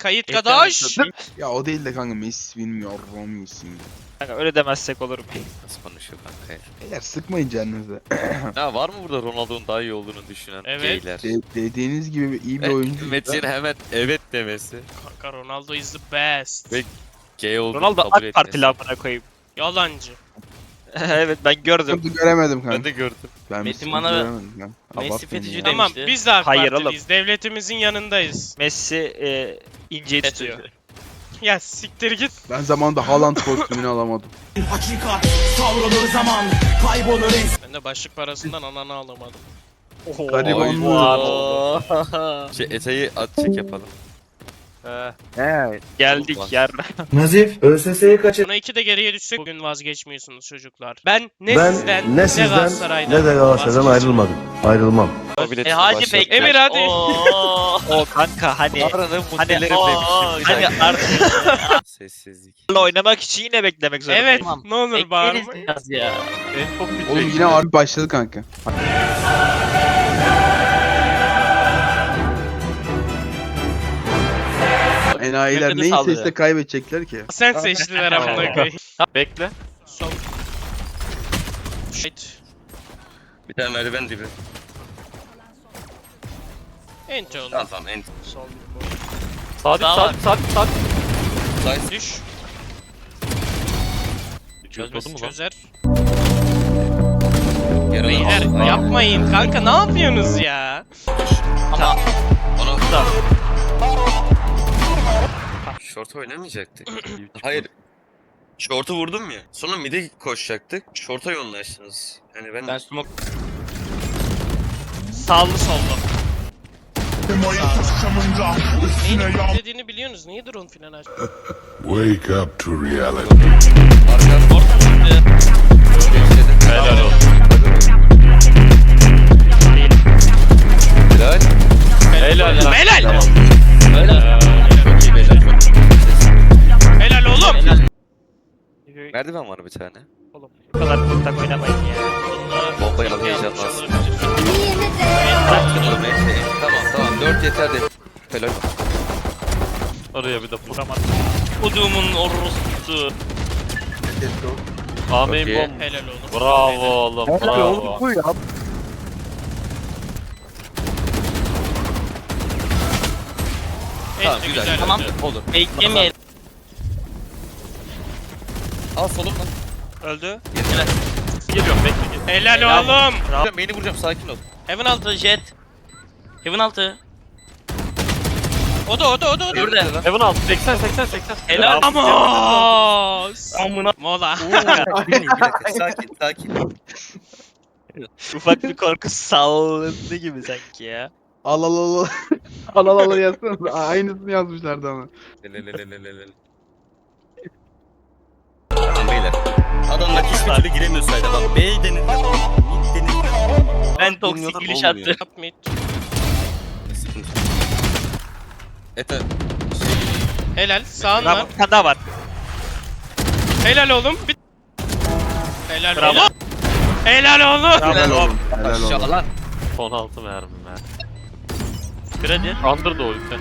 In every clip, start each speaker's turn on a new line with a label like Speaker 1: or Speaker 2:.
Speaker 1: Kayıt kadaş.
Speaker 2: Ya o değil de kanka Messi bilmiyorum Messi'yim.
Speaker 3: Kanka öyle demezsek olur mu?
Speaker 4: Nasıl konuşuyor kanka ya?
Speaker 2: Beyler sıkmayın canınızı.
Speaker 4: Ya var mı burada Ronaldo'nun daha iyi olduğunu düşünen
Speaker 1: Evet.
Speaker 4: geyler?
Speaker 2: Dediğiniz gibi iyi bir oyuncu.
Speaker 4: Metin hemen evet demesi.
Speaker 1: Kanka Ronaldo is the best.
Speaker 4: Ve gay olduğunu
Speaker 3: Ronaldo
Speaker 4: kabul
Speaker 3: AK
Speaker 4: etmesi.
Speaker 3: Partili amına koyayım.
Speaker 1: Yalancı.
Speaker 3: Evet ben gördüm.
Speaker 2: Sıkıntı göremedim kanka.
Speaker 4: Ben de gördüm.
Speaker 2: Ben bir
Speaker 5: Metin
Speaker 2: sıkıntı
Speaker 5: bana
Speaker 2: göremedim kanka.
Speaker 5: Messi
Speaker 2: Abartmayın
Speaker 5: fetişi
Speaker 2: ya.
Speaker 1: Tamam
Speaker 5: demişti.
Speaker 1: biz de AK
Speaker 3: Hayır
Speaker 1: Partiliyiz. Devletimizin yanındayız.
Speaker 3: Messi inceyi tutuyor.
Speaker 1: Ya siktir git.
Speaker 2: Ben zamanında Haaland kostümünü alamadım.
Speaker 6: Hakikat savrulur zaman kaybolur
Speaker 1: Ben de başlık parasından ananı alamadım.
Speaker 3: Oho.
Speaker 2: Gariban mı?
Speaker 4: Şey eteği at çek yapalım.
Speaker 3: Geldik
Speaker 4: Olmaz.
Speaker 3: yer.
Speaker 6: Nazif ÖSS'yi kaçır.
Speaker 1: Buna 2 de geriye düşsek bugün vazgeçmiyorsunuz çocuklar. Ben ne
Speaker 7: Ben
Speaker 1: sizden
Speaker 7: ne sizden
Speaker 1: Galatasaray'dan
Speaker 7: ne de Galatasaray'dan ayrılmadım. Ayrılmam.
Speaker 5: Hacı Pek.
Speaker 1: Emir hadi.
Speaker 3: O kanka hani
Speaker 4: Paranın
Speaker 3: hani
Speaker 4: mutelerim demişim.
Speaker 3: hani artık
Speaker 4: Sessizlik.
Speaker 3: oynamak için yine beklemek zorundayım.
Speaker 1: Evet
Speaker 5: Tamam.
Speaker 1: ne olur bağırma.
Speaker 5: Bekleriz biraz ya.
Speaker 4: En çok bir
Speaker 2: Oğlum yine abi başladı kanka. Enayiler
Speaker 5: Yakını
Speaker 2: neyse
Speaker 5: sallıyor.
Speaker 2: işte kaybedecekler ki.
Speaker 1: Sen seçtiler amına koyayım.
Speaker 4: Bekle.
Speaker 1: Son. Shit.
Speaker 4: Bir tane merdiven dibi.
Speaker 1: Ente oğlum.
Speaker 4: Tamam en.
Speaker 1: Sol.
Speaker 5: Sağ
Speaker 1: Düş.
Speaker 4: Çözmedi mi lan?
Speaker 1: Çözer.
Speaker 4: Yarın
Speaker 1: Beyler yapmayın kanka ne yapıyorsunuz ya?
Speaker 5: Ama
Speaker 4: Onu Short oynamayacaktık. Hayır. Short'u vurdum ya. Sonra mid'e koşacaktık. Short'a yoğunlaştınız. Yani ben...
Speaker 5: ben smoke
Speaker 1: Sağlı sollu. Neyin dediğini biliyorsunuz. Niye drone filan aç?
Speaker 8: Wake up to reality.
Speaker 4: Helal olsun. Helal.
Speaker 1: Helal. Helal.
Speaker 5: öyle.
Speaker 4: Çok iyi beyler.
Speaker 1: Helal oğlum.
Speaker 4: Merdiven var bir tane.
Speaker 3: Oğlum bu kadar kontak oynamayın ya.
Speaker 4: Bombayı al heyecanlansın. Tamam 4 yeter de. Helal.
Speaker 3: Oraya bir de vuramadım.
Speaker 5: Kudumun orospusu.
Speaker 4: Amin
Speaker 1: Helal oğlum.
Speaker 3: Bravo oğlum bravo.
Speaker 7: Bu ya.
Speaker 4: Tamam
Speaker 1: Ente
Speaker 4: güzel.
Speaker 1: güzel.
Speaker 5: Tamam.
Speaker 4: Olur.
Speaker 5: Beklemeyelim.
Speaker 4: Al solum lan.
Speaker 3: Öldü.
Speaker 5: Helal.
Speaker 3: Geliyorum bekle.
Speaker 1: Helal oğlum.
Speaker 4: Beni vuracağım sakin ol.
Speaker 5: Heaven altı jet. Heaven altı.
Speaker 1: O da.
Speaker 5: Burada.
Speaker 3: Heaven altı 80.
Speaker 5: Helal.
Speaker 1: Ama.
Speaker 5: Amına.
Speaker 1: Mola.
Speaker 4: Bir dakika sakin.
Speaker 3: Ufak bir korku sallandı gibi sanki ya.
Speaker 2: Al al al al. Al al al yazsana. Aynısını yazmışlardı ama.
Speaker 4: Lelelelelelele. Tamam beyler. Adamlar hiçbir türlü giremiyor sayda bak. B denildi. Mid denildi.
Speaker 5: Ben toksik giriş attım.
Speaker 1: Yapmayın.
Speaker 4: Ete.
Speaker 1: Helal. Sağın
Speaker 3: Bravo.
Speaker 1: var.
Speaker 3: Bir tane daha var.
Speaker 1: Helal oğlum. Helal
Speaker 3: Bravo.
Speaker 1: oğlum. Helal oğlum.
Speaker 2: Helal oğlum. Helal oğlum.
Speaker 4: Aşağı lan.
Speaker 3: 16 mermi ben. Kredi. Under da ulti.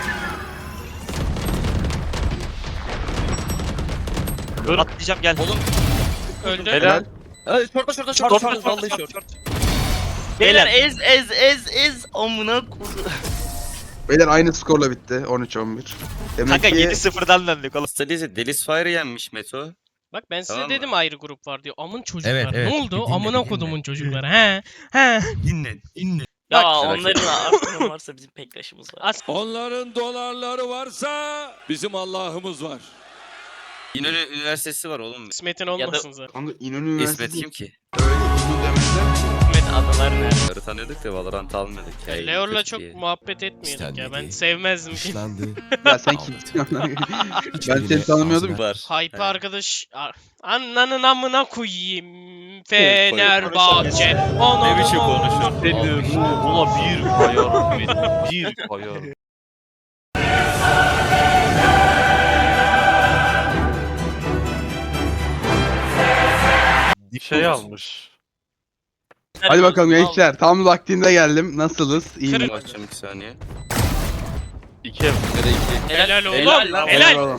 Speaker 3: Dur. Atlayacağım gel.
Speaker 4: Oğlum.
Speaker 1: Öldü.
Speaker 3: Helal.
Speaker 4: Hadi şorta. Vallahi şort.
Speaker 5: Beyler ez amına kudu.
Speaker 2: Beyler aynı skorla bitti. 13-11. Demek
Speaker 3: Kanka
Speaker 2: ki
Speaker 3: 7-0'dan döndük oğlum.
Speaker 4: Stalize Delis Fire yenmiş Meto.
Speaker 1: Bak ben size
Speaker 4: Tamam mı?
Speaker 1: dedim ayrı grup var diyor. Amın çocuklar.
Speaker 4: Evet, evet.
Speaker 1: Ne oldu?
Speaker 4: Bir dinle,
Speaker 1: Amına
Speaker 4: bir
Speaker 1: kodumun
Speaker 4: dinle.
Speaker 1: çocukları. He.
Speaker 4: Dinle.
Speaker 5: Ya
Speaker 1: Bak,
Speaker 5: onların aklının varsa bizim pektaşımız var.
Speaker 8: Onların dolarları varsa bizim Allah'ımız var.
Speaker 4: İnönü Üniversitesi var oğlum.
Speaker 1: İsmet'in olmasın zaten.
Speaker 2: kanka İnönü
Speaker 4: İsmet
Speaker 2: Üniversitesi
Speaker 4: kim ki?
Speaker 2: öyle ünlü demezler.
Speaker 5: Hikmet adalar nerede?
Speaker 4: Yarı tanıyorduk da Valorant almadık ya.
Speaker 1: Leor'la
Speaker 4: kötü
Speaker 1: çok
Speaker 4: diye.
Speaker 1: muhabbet etmiyorduk ya. Ben
Speaker 8: İstenmedi.
Speaker 1: sevmezdim.
Speaker 8: Dışlandı.
Speaker 2: Ya sen kimsin? Ben seni tanımıyordum.
Speaker 4: Var.
Speaker 1: Hype
Speaker 4: He.
Speaker 1: arkadaş. Ananın amına koyayım. Fenerbahçe. Ananın
Speaker 4: Ne biçim
Speaker 1: amına-
Speaker 4: konuşuyor?
Speaker 3: Buna bir koyarım benim. Bir koyarım. Şey almış.
Speaker 2: Hadi bakalım gençler. Tam vaktinde geldim. Nasılız? İyi mi?
Speaker 1: Kırın.
Speaker 4: Bakacağım 2 saniye.
Speaker 3: 2
Speaker 4: Ya da 2.
Speaker 1: Helal oğlum.
Speaker 5: Helal lan.
Speaker 1: Helal.
Speaker 2: Oğlum.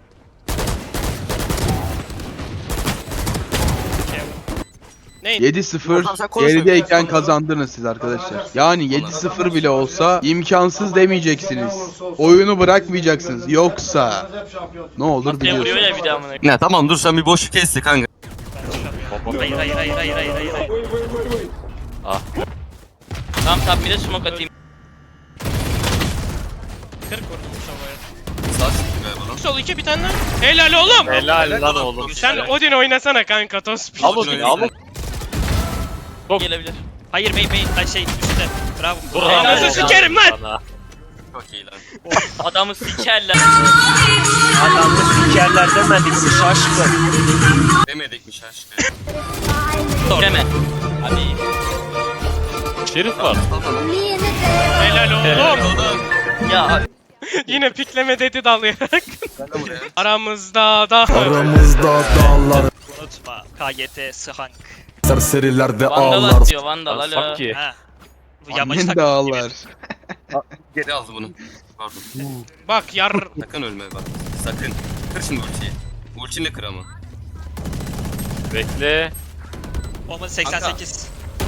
Speaker 1: Neyin?
Speaker 2: 7-0 gerideyken kazandınız siz arkadaşlar. Yani 7-0 bile olsa imkansız demeyeceksiniz. Oyunu bırakmayacaksınız. Yoksa ne olur
Speaker 5: Ne vuruyor
Speaker 2: biliyorsunuz.
Speaker 5: ya bir daha amına.
Speaker 4: Ya tamam dur sen bir boşluk kesti kanka.
Speaker 5: Hayır. Tamam bir de smoke atayım.
Speaker 1: 40 vurdum Sova'ya.
Speaker 4: Sağ çıktı galiba lan.
Speaker 1: Sol 2 bir tane daha. Helal oğlum.
Speaker 3: Helal lan oğlum.
Speaker 1: Sen Odin oynasana kanka Tospil.
Speaker 3: Al Odin'i al.
Speaker 5: Gelebilir.
Speaker 9: Hayır bey şey üstte. Bravo.
Speaker 1: Anasını sikerim lan.
Speaker 4: Çok iyi lan.
Speaker 5: Adamı sikerler.
Speaker 3: Adamı sikerler demedik mi şaşkın.
Speaker 4: Demedikmiş aşkım.
Speaker 5: Deme. Hadi.
Speaker 3: Şerif var.
Speaker 1: Helal oğlum.
Speaker 5: Ya
Speaker 1: Yine pikleme dedi dalayarak.
Speaker 4: Ben de buraya.
Speaker 1: Aramızda da.
Speaker 6: Aramızda dağlar.
Speaker 9: Unutma. KGT Sıhank.
Speaker 6: Serserilerde
Speaker 5: Vandal
Speaker 6: ağlar.
Speaker 5: atıyor Vandal alo.
Speaker 3: Sanki.
Speaker 9: Ha. Bu yabancı
Speaker 2: Annen
Speaker 9: takım
Speaker 2: dağlar.
Speaker 4: Geri aldı bunu. Pardon.
Speaker 1: Bak yar.
Speaker 4: Sakın ölme bak. Sakın. Kır şimdi ultiyi. Ultinle kır ama.
Speaker 3: Bekle.
Speaker 9: Olmadı 88.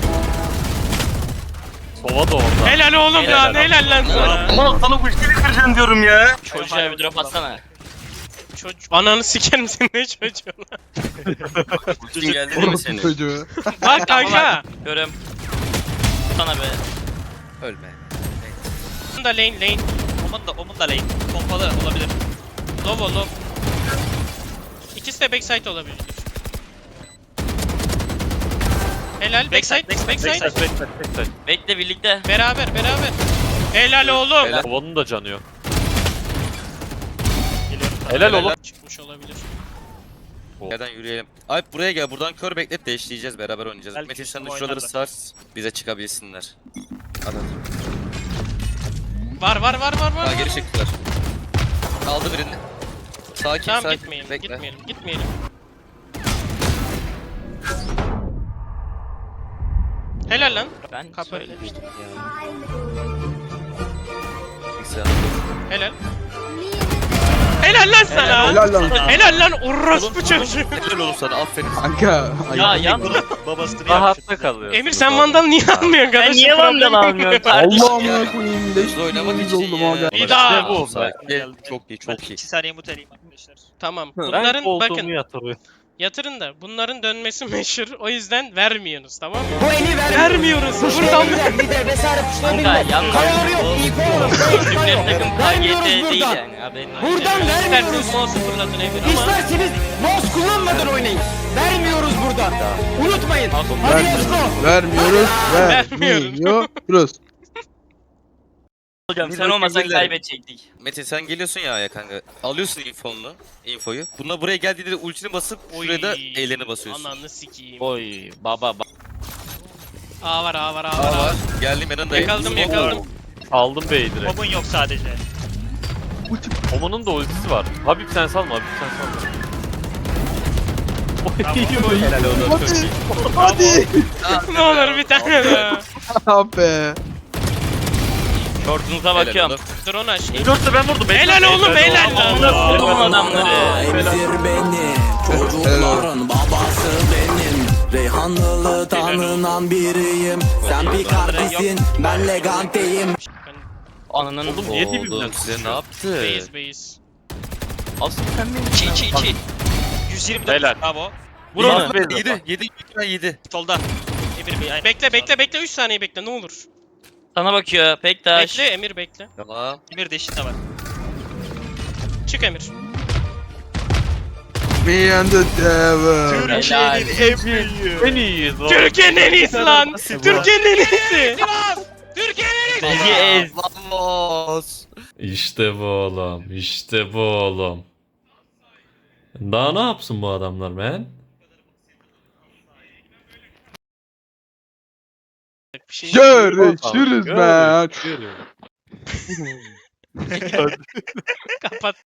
Speaker 3: Sova da orada.
Speaker 1: Helal oğlum lan. Helal lan sana.
Speaker 4: Aman sana ultiyle kıracaksın diyorum ya.
Speaker 5: Çocuğa bir drop atsana.
Speaker 1: Çocuk. Ananı sikerim senin ne çocuğun.
Speaker 4: Ultin geldi değil mi
Speaker 2: Orası
Speaker 4: senin?
Speaker 2: çocuğu.
Speaker 1: Bak kanka.
Speaker 5: Görüm. Sana be.
Speaker 4: Ölme.
Speaker 1: Onun da lane.
Speaker 9: Omun da lane. Pompalı olabilir.
Speaker 1: Low. İkisi de backside olabilir. Helal backside.
Speaker 5: Bekle birlikte.
Speaker 1: Beraber. Helal oğlum.
Speaker 4: Helal.
Speaker 3: Sova'nın da canı yok.
Speaker 9: Geliyorum.
Speaker 3: Helal oğlum.
Speaker 1: Çıkmış olabilir.
Speaker 4: Nereden yürüyelim? Alp buraya gel. Buradan kör beklet değiştireceğiz. Beraber oynayacağız.
Speaker 9: Belki
Speaker 4: Metin sen de
Speaker 9: üstüme
Speaker 4: şuraları
Speaker 9: oynarlar.
Speaker 4: sars. Bize çıkabilsinler. Anladım.
Speaker 1: Var.
Speaker 4: Daha geri çıktılar. Aldı birini. Sakin
Speaker 1: Tamam
Speaker 4: sakin.
Speaker 1: gitmeyelim.
Speaker 4: Bekle.
Speaker 1: Gitmeyelim. Helal lan.
Speaker 5: Ben
Speaker 1: Kapı.
Speaker 5: söylemiştim.
Speaker 4: Bilgisayar.
Speaker 1: Helal. Helal lan sana.
Speaker 2: Helal lan.
Speaker 1: Helal lan orospu çocuğu.
Speaker 4: Helal olsun sana aferin.
Speaker 2: Kanka.
Speaker 5: Ya yan.
Speaker 9: Babasını
Speaker 3: Rahatta kalıyor.
Speaker 1: Emir sen Vandal niye almıyorsun
Speaker 5: Ben
Speaker 1: kardeşim?
Speaker 5: niye Vandal almıyorum kardeşim?
Speaker 2: Allah'ım koyayım. Leş
Speaker 4: Hızlı oynamak
Speaker 2: gibi
Speaker 4: için
Speaker 2: oldum
Speaker 4: ya.
Speaker 2: aga.
Speaker 1: Bir daha.
Speaker 3: İşte bu.
Speaker 4: Sakin. Çok iyi
Speaker 9: Ben
Speaker 4: çok iyi.
Speaker 9: 2 saniye muteleyim arkadaşlar.
Speaker 1: Tamam.
Speaker 3: Ben
Speaker 1: Bunların
Speaker 3: koltuğumu
Speaker 1: bakın
Speaker 3: yatırıyorum.
Speaker 1: yatırın da bunların dönmesi meşhur. O yüzden vermiyorsunuz tamam mı?
Speaker 6: Bu eli ver.
Speaker 1: Vermiyoruz. Buradan
Speaker 6: Bir de vesaire kuşlar
Speaker 5: Kanka yanlış.
Speaker 6: Kayaları yok. İyi
Speaker 5: Türkler takım
Speaker 6: Vermiyoruz
Speaker 5: KGT değil
Speaker 6: buradan.
Speaker 5: yani. Haberin olsun.
Speaker 6: Buradan vermiyoruz.
Speaker 1: İsterseniz mouse fırlatın Emir ama
Speaker 6: İsterseniz mouse kullanmadan oynayın. Vermiyoruz burada. Unutmayın. Hadi let's go.
Speaker 2: Vermiyoruz.
Speaker 1: Vermiyoruz.
Speaker 2: Vermiyoruz.
Speaker 5: Hocam sen
Speaker 4: Bir
Speaker 5: olmasan
Speaker 4: bakayım
Speaker 5: kaybedecektik.
Speaker 4: Metin sen geliyorsun ya Aya kanka. Alıyorsun infoyu. Bunlar buraya geldiğinde ultini basıp şuraya da ellerini basıyorsun.
Speaker 1: Ananı sikeyim.
Speaker 3: Oy baba.
Speaker 1: A var.
Speaker 4: Aa var. Geldim yanındayım.
Speaker 1: Yakaladım.
Speaker 3: Aldım B'yi direkt.
Speaker 9: Omun yok sadece.
Speaker 3: Oman'ın da ultisi var. Habib sen salma.
Speaker 4: Helal olsun.
Speaker 2: Hadi.
Speaker 1: Ne olur bir tane daha.
Speaker 2: Ah be.
Speaker 5: Şortunuza
Speaker 4: Helal
Speaker 5: bakıyorum.
Speaker 4: oğlum.
Speaker 1: Drone aç.
Speaker 3: Dörtte ben vurdum.
Speaker 1: Helal oğlum helal lan.
Speaker 5: Amına koydum adamları.
Speaker 6: Emzir beni. Çocukların babası benim. Reyhanlılı tanınan biriyim. Sen Picardi'sin. Ben Legante'yim.
Speaker 5: Ananın
Speaker 3: Oğlum niye dibimden
Speaker 4: Oğlum size ne yaptı?
Speaker 1: Base.
Speaker 5: Asıl sen benim. Çi.
Speaker 9: 124.
Speaker 3: Helal.
Speaker 9: Bravo.
Speaker 5: Vur onu.
Speaker 4: Yedi.
Speaker 9: Solda. Emir Bey aynen.
Speaker 1: Bekle 3 saniye bekle ne olur.
Speaker 5: Sana bakıyor Pektaş.
Speaker 1: Bekle Emir bekle.
Speaker 4: Tamam.
Speaker 9: Emir de eşinde var.
Speaker 1: Çık Emir.
Speaker 2: Me and the devil.
Speaker 5: Helal.
Speaker 3: En iyiyiz oğlum.
Speaker 1: Türkiye'nin en iyisi lan. Türkiye'nin en iyisi. Türkiye'nin en iyisi.
Speaker 5: Bizi ez.
Speaker 4: Vamos.
Speaker 10: İşte bu oğlum. İşte bu oğlum. Daha ne yapsın bu adamlar man?
Speaker 1: Bir şey
Speaker 2: Görüşürüz be.
Speaker 1: kapat.